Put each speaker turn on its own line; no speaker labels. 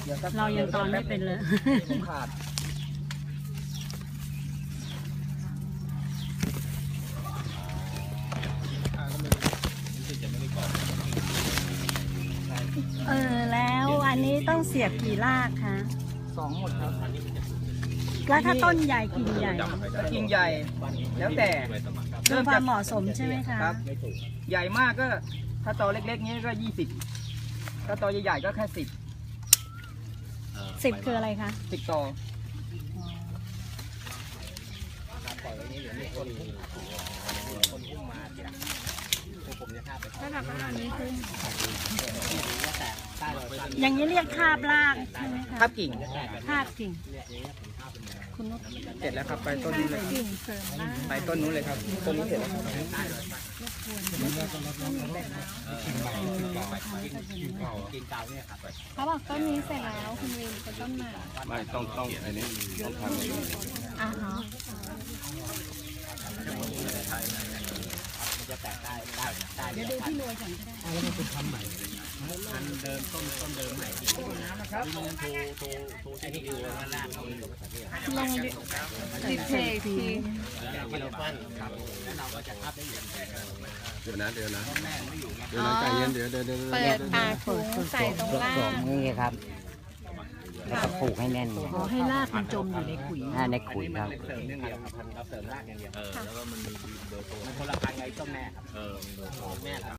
เรายังตอนไม่เป็นเลย
ขาด
แล้วอันนี้ต้องเสียบกี่รากคะ
2 หมดครับ
แล้วถ้าต้นใหญ่กิ่งใหญ่
ถ้ากิ่งใหญ่ แล้วแต่
ดูความเหมาะสมใช่ไหมคะ
ครับใหญ่มากก็ถ้าตอเล็กๆนี้ก็20ถ้าตอใหญ่ๆก็แค่
10คืออะไรคะ
10ตอ
อย่างนี้เรียกคาบรากใช่ไหมคะ
ครับกิ่ง
คาบกิ่งคุณนก
เสร็จแล้วครับไปต้นนู้นเลย
กิ่งเสริมราก
ไปต้นนู้นเลยครับต้นนี้เสร็จแล้วครับ
เขาบอกต้นนี้เสร็จแล้วคุณวินเป็นต้นใหม่
ไม่ต้องอันนี้ต้องทำอย่างนี้
อ่าฮะ เดี๋ยวดูที่รวยก่อนก็ได้ ลงดิเพย์ที
เดี๋ยวนะใจเย็นเดี๋ยว
เปิดปากถุงใส่ตรงล่าง
นี่ครับ แล้วก็ผูกให้แน่น
ขอให้รากมันจมอยู่ในขุย
ในขุยครับ
เสริมเรื่องเดียวครับเราเสริมรากอย่างเดียวแล้วก็มันมีเบอร์โทรมันคนละพันไงต้นแม่ครับแม่ครับ